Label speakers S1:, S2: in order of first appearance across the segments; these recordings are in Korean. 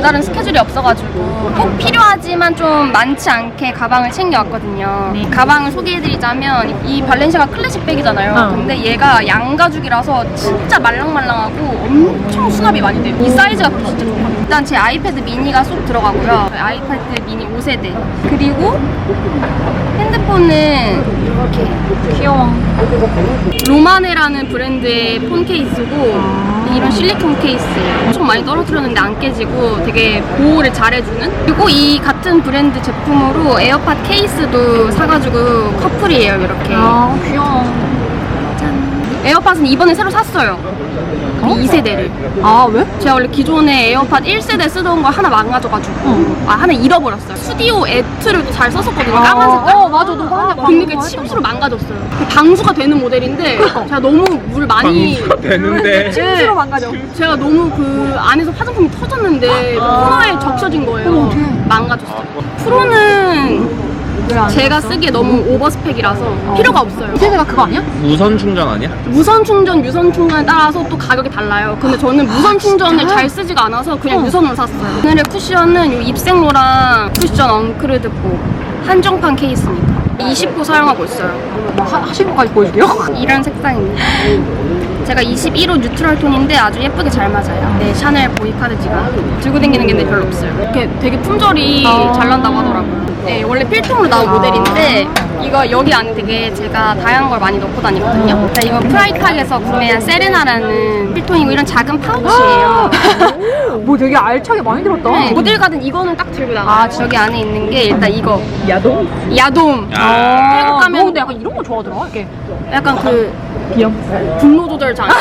S1: 별다른 스케줄이 없어가지고 꼭 필요하지만 좀 많지 않게 가방을 챙겨왔거든요.
S2: 네.
S1: 가방을 소개해드리자면 이 발렌시아가 클래식 백이잖아요. 근데 얘가 양가죽이라서 진짜 말랑말랑하고 엄청 수납이 많이 돼요. 이 사이즈가 진짜 좋거든요. 일단 제 아이패드 미니가 쏙 들어가고요. 아이패드 미니 5세대. 그리고 핸드폰은 이렇게
S2: 귀여워.
S1: 로마네라는 브랜드의 폰 케이스고 이런 실리콘 케이스예요. 엄청 많이 떨어뜨렸는데 안 깨지고 되게 보호를 잘해주는. 그리고 이 같은 브랜드 제품으로 에어팟 케이스도 사가지고 커플이에요. 이렇게.
S2: 아, 귀여워.
S1: 짠. 에어팟은 이번에 새로 샀어요. 2세대를.
S2: 아, 왜?
S1: 제가 원래 기존에 에어팟 1세대 쓰던 거 하나 망가져가지고 하나 잃어버렸어요. 스튜디오 애트를 잘 썼었거든요. 까만 색깔.
S2: 맞아. 너 하는데
S1: 근데 그게 침수로 망가졌어요. 방수가 되는 모델인데 제가 너무 물 많이
S3: 되는데
S2: 침수로 망가져.
S1: 제가 너무 그 안에서 화장품이 터졌는데 코너에 적셔진 거예요. 망가졌어요. 프로는 제가 쓰기에 너무 오버스펙이라서 필요가 없어요.
S2: 세대가 그거 아니야?
S3: 무선 충전 아니야?
S1: 무선 충전, 유선 충전에 따라서 또 가격이 달라요. 근데 저는 무선 충전을 잘 쓰지가 않아서 그냥 유선으로 샀어요. 오늘의 쿠션은 이 입생로랑 쿠션 엉크르드포 한정판 케이스입니다. 20호 사용하고 있어요.
S2: 하신 것까지 보여줄게요.
S1: 이런 색상입니다. 제가 21호 뉴트럴 톤인데 아주 예쁘게 잘 맞아요. 네, 샤넬 보이카드 지갑. 들고 다니는 게 별로 없어요. 이렇게 되게 품절이 잘 난다고 하더라고요. 네, 원래 필통으로 나온 모델인데 이거 여기 안에 되게 제가 다양한 걸 많이 넣고 다니거든요. 자, 이건 프라이탁에서 구매한 세레나라는 필통이고 이런 작은 파우치예요.
S2: 뭐 되게 알차게 많이 들었다.
S1: 네, 어딜 가든 이거는 딱 들고 나가요. 저기 안에 있는 게 일단 이거
S2: 야동?
S1: 야돔. 태국 가면
S2: 너 근데 약간 이런 거 좋아하더라. 이렇게
S1: 약간 그
S2: 비염.
S1: 분노 조절 장치.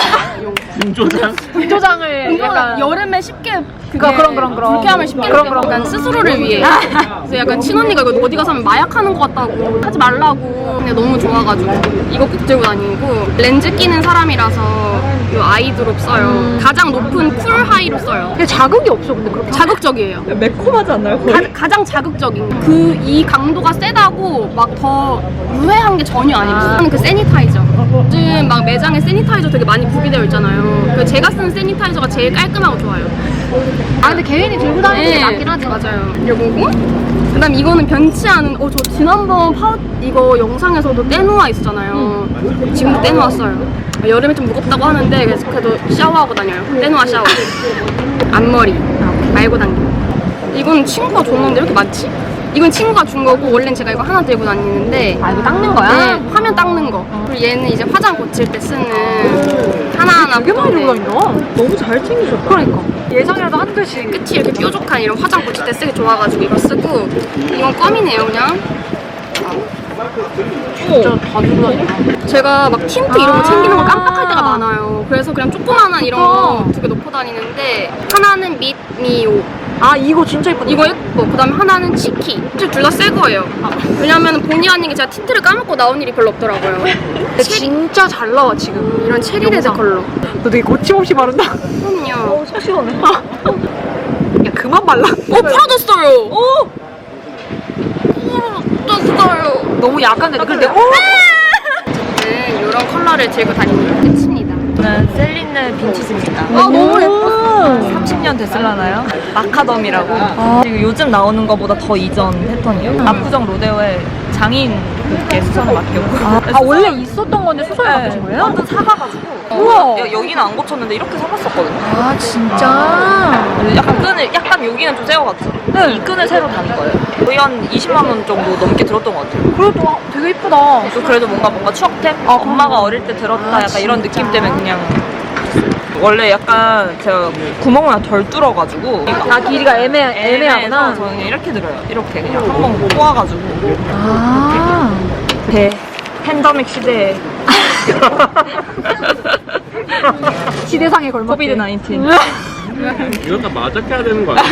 S3: 분조장?
S2: 분조장을 약간
S1: 여름에 쉽게
S2: 그런.
S1: 불쾌함을 쉽게 느껴요. 약간 스스로를 위해. 그래서 약간 친언니가 이거 어디 가서 하면 마약하는 것 같다고 하지 말라고. 근데 너무 좋아가지고 이거 꼭 들고 다니고 렌즈 끼는 사람이라서 이 아이드롭 써요. 가장 높은 쿨 하이로 써요.
S2: 근데 자극이 없어. 근데 그렇게
S1: 자극적이에요.
S3: 매콤하지 않나요?
S1: 가장 자극적인 이 강도가 세다고 막 더 유해한 게 전혀 아니에요. 저는 그 세니타이저. 요즘 막 매장에 세니타이저 되게 많이 구비되어 있잖아요. 그 제가 쓰는 세니타이저가 제일 깔끔하고 좋아요.
S2: 아 근데 개인이 들고 다니는 게 낫긴 하지.
S1: 맞아요. 이거고 그다음 이거는 변치 않은 저 지난번 이거 영상에서도 떼놓아 있었잖아요. 지금도 떼놓았어요. 여름에 좀 무겁다고 하는데 그래도 샤워하고 다녀요. 떼놓아 샤워. 앞머리 말고 당기고. 이건 친구가 줬는데 이렇게 많지? 이건 친구가 준 거고 원래는 제가 이거 하나 들고 다니는데
S2: 아 이거 닦는 거야?
S1: 네, 화면 닦는 거. 그리고 얘는 이제 화장 고칠 때 쓰는 하나하나
S2: 되게 많이 들고 다닌다. 너무 잘 챙기셨다. 그러니까 예상이라도 한두씩.
S1: 끝이 이렇게 뾰족한 이런 화장 고칠 때 쓰기 좋아가지고 이거 쓰고 이건 껌이네요 그냥.
S2: 진짜 다 들고 다닌다.
S1: 제가 막 틴트 이런 거 챙기는 거 깜빡할 때가 많아요. 그래서 그냥 조그만한 이런 거 두 개 놓고 다니는데 하나는 밑미오.
S2: 아 이거 진짜 예쁘다.
S1: 이거 예뻐. 그 다음에 하나는 치키. 둘 다 새 거예요. 왜냐면 본의 아니게 제가 틴트를 까먹고 나온 일이 별로 없더라고요.
S2: 근데 진짜 잘 나와 지금.
S1: 이런 체리 레드 컬러.
S2: 너 되게 거침없이 바른다.
S1: 그럼요.
S2: 속 시원해. 야 그만 발라.
S1: 풀어졌어요. 풀어졌어요.
S2: 너무 약한데 근데
S1: 어쨌든 이런 컬러를 들고 다니는 게 끝입니다.
S4: 저는 셀린느 빈티지입니다.
S1: 너무 예뻐.
S4: 30년 됐을라나요? 마카덤이라고. 그리고 요즘 나오는 것보다 더 이전 패턴이에요. 압구정 로데오에 장인분께 수선을 맡겼고.
S2: 아 원래 있었던 건데 수선을 바꾸신 거예요?
S4: 완전 사가가지고.
S2: 우와.
S4: 여기는 안 고쳤는데 이렇게 사봤었거든요.
S2: 아 진짜.
S4: 약간 여기는 좀 세워갔죠. 이 끈을 새로 단 거예요. 거의 한 20만 원 정도 넘게 들었던 것 같아요.
S2: 그래도 되게 이쁘다.
S4: 또 그래도 뭔가 추억템? 엄마가 어릴 때 들었다 약간 이런 느낌 때문에 그냥. 원래 약간 제가 구멍을 덜 뚫어가지고
S2: 아 길이가 애매하구나.
S4: 애매해서 저는 이렇게 들어요. 이렇게 그냥 한번 꼬아가지고
S2: 아.
S4: 팬데믹 시대에
S2: 시대상에 걸맞게.
S4: 코비드 19
S3: 이건 다 마작해야 되는 거 아니야?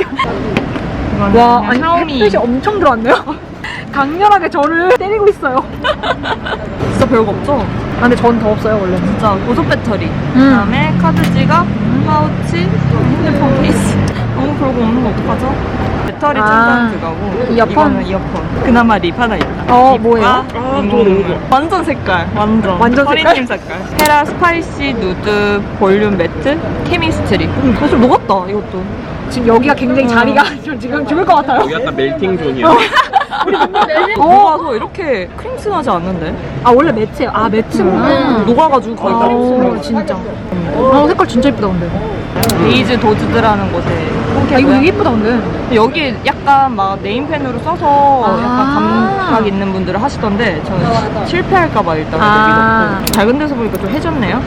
S2: 와 아니 햇빛이 엄청 들어왔네요. 강렬하게 저를 때리고 있어요.
S4: 진짜 별거 없죠?
S2: 아 근데 전 더 없어요 원래.
S4: 진짜 보조 배터리 그다음에 카드 지갑, 파우치, 핸드폰 케이스 너무 별거 없는 거 어떡하죠? 배터리 충전 그거고
S2: 이어폰?
S4: 이거는 이어폰 그나마 립 하나 있다.
S2: 뭐예요?
S4: 완전 색깔
S2: 완전
S4: 허리님 색깔 헤라 스파이시 누드 볼륨 매트 케미스트리
S2: 좀 녹았다 이것도. 지금 여기가 굉장히 자리가 저 지금 죽을 것 같아요.
S3: 여기 약간 멜팅 존이야.
S4: 녹아서 이렇게 크림슨하지 않는데?
S2: 아 원래 매트예요. 아 매트구나.
S4: 녹아가지고 거의 크림슨.
S2: 진짜. 색깔 진짜 예쁘다 근데.
S4: 베이즈 도즈드라는 곳에
S2: 아 이거 되게 예쁘다 근데.
S4: 여기 약간 막 네임펜으로 써서
S2: 아.
S4: 약간 감각 있는 분들은 하시던데 저는 실패할까봐 일단
S2: 아.
S4: 여기 넣고 작은 데서 보니까 좀 해졌네요.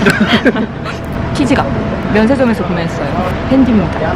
S4: 키즈가 면세점에서 구매했어요. 팬디입니다.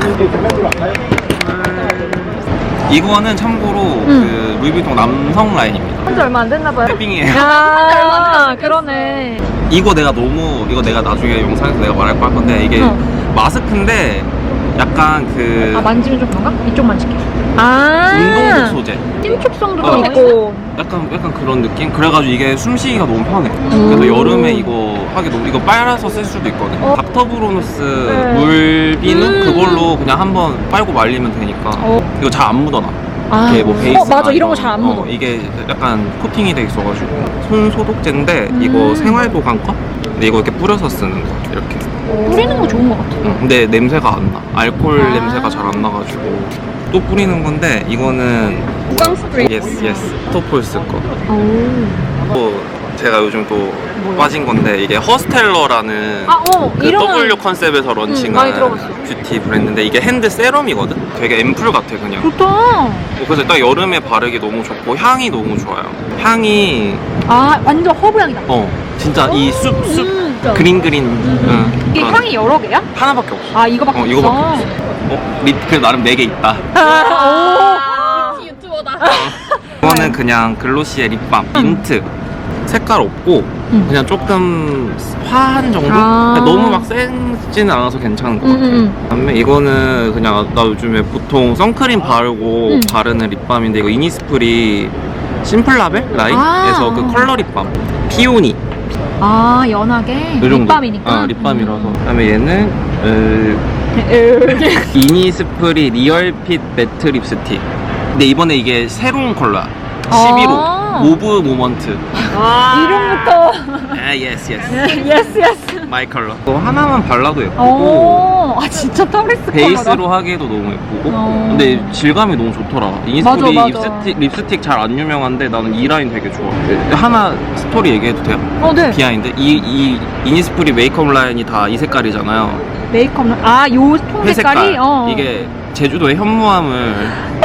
S3: 이거는 참고로 그 루이비통 남성 라인입니다.
S2: 한지 얼마 안 됐나 봐요.
S3: 탭핑이에요.
S2: 아 그러네.
S3: 이거 내가 나중에 영상에서 내가 말할 거 할 건데 이게 마스크인데 약간 그
S2: 아 만지면 좀 그런가? 이쪽 만질게. 아
S3: 운동복 소재.
S2: 신축성도
S3: 어.
S2: 좀 있고.
S3: 약간 그런 느낌? 그래가지고 이게 숨쉬기가 너무 편해. 그래서 여름에 이거 하기 너무 이거 빨아서 쓸 수도 있거든. 닥터브로누스
S2: 네.
S3: 물비누 그걸로 그냥 한번 빨고 말리면 되니까 이거 잘 안 묻어나. 이게 뭐 베이스
S2: 맞아 이런 거 잘 안 묻어.
S3: 이게 약간 코팅이 돼 있어가지고 손 소독제인데 이거 생활보관과 근데 이거 이렇게 뿌려서 쓰는 거 이렇게.
S2: 뿌리는 거 좋은 것 같아.
S3: 근데 냄새가 안 나. 알코올 냄새가 잘 안 나가지고 또 뿌리는 건데 이거는
S1: 구강 스프레이.
S3: 예스 토폴스 거. 또 제가 요즘 또 빠진 건데 이게 허스텔러라는 그
S2: 이름은
S3: W 컨셉에서
S2: 많이
S3: 런칭한
S2: 들어봤어.
S3: 뷰티 브랜드인데 이게 핸드 세럼이거든? 되게 앰플 같아 그냥.
S2: 좋다.
S3: 그래서 딱 여름에 바르기 너무 좋고 향이 너무 좋아요. 향이
S2: 아 완전 허브 향이다.
S3: 진짜 이 숲 그린
S2: 이게
S3: 그런-
S2: 향이 여러 개야?
S3: 하나밖에 없어.
S2: 아 이거밖에 없어.
S3: 이거밖에 없어. 립 나름 4개 있다.
S1: 유튜버다.
S3: 이거는 그냥 글로시의 립밤 민트 색깔 없고 그냥 조금 화한 정도?
S2: 아.
S3: 너무 막 세지는 않아서 괜찮은 것 같아요. 그다음에 이거는 그냥 나 요즘에 보통 선크림 바르고 바르는 립밤인데 이거 이니스프리 심플라벨 라인에서
S2: 아.
S3: 그 컬러 립밤 피오니
S2: 아 연하게
S3: 이 정도.
S2: 립밤이니까.
S3: 립밤이라서 그다음에 얘는 이니스프리 리얼핏 매트 립스틱 근데 이번에 이게 새로운 컬러야 11호 모브 모먼트
S2: 이름부터
S3: 예스
S2: 예스
S3: 마이 컬러 또 하나만 발라도 예쁘고
S2: 오아 진짜 타브리스 컬러다.
S3: 베이스로 하기에도 너무 예쁘고 근데 질감이 너무 좋더라 이니스프리
S2: 맞아.
S3: 립스틱 잘 안 유명한데 나는 이 라인 되게 좋아 하나 스토리 얘기해도 돼요?
S2: 네.
S3: 비하인드 이 이니스프리 메이크업 라인이 다 이 색깔이잖아요
S2: 메이크업은 요 통
S3: 회색깔
S2: 색깔이
S3: 이게 제주도의 현무암을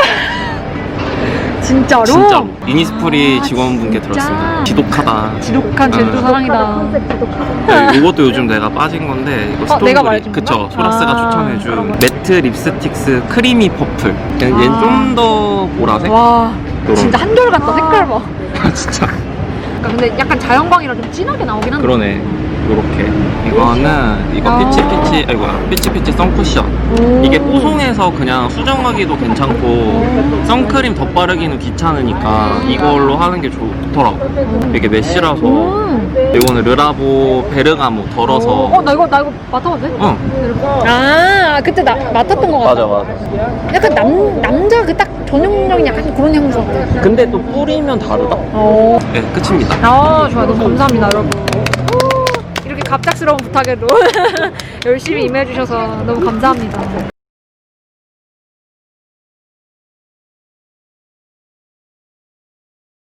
S2: 진짜로
S3: 이니스프리 직원분께 들었습니다 지독하다
S2: 지독한 제주도 사랑이다.
S3: 이것도 요즘 내가 빠진 건데 이거 스톤브리
S2: 내가 말해준 건가?
S3: 그쵸 소라스가
S2: 아,
S3: 추천해준 매트 립스틱스 크리미 퍼플 얘는 좀 더 보라색?
S2: 와
S3: 요런.
S2: 진짜 한결 같다 색깔 봐.
S3: 진짜
S2: 근데 약간 자연광이라 좀 진하게 나오긴 한데.
S3: 그러네 요렇게 이거는 이거 피치 선쿠션 이게 뽀송해서 그냥 수정하기도 괜찮고 선크림 덧바르기는 귀찮으니까 이걸로 하는 게 좋더라고 이게 메쉬라서 이거는 르라보 베르가모 덜어서
S2: 나 이거 맡아봐도 돼? 아 그때 맡았던 거 같아.
S3: 맞아
S2: 약간 남자 그 딱 전형적인 약간 그런 향수 같아.
S3: 근데 또 뿌리면 다르다 네 끝입니다
S2: 좋아요. 너무 감사합니다, 여러분. 이렇게 갑작스러운 부탁에도 열심히 임해주셔서 너무 감사합니다.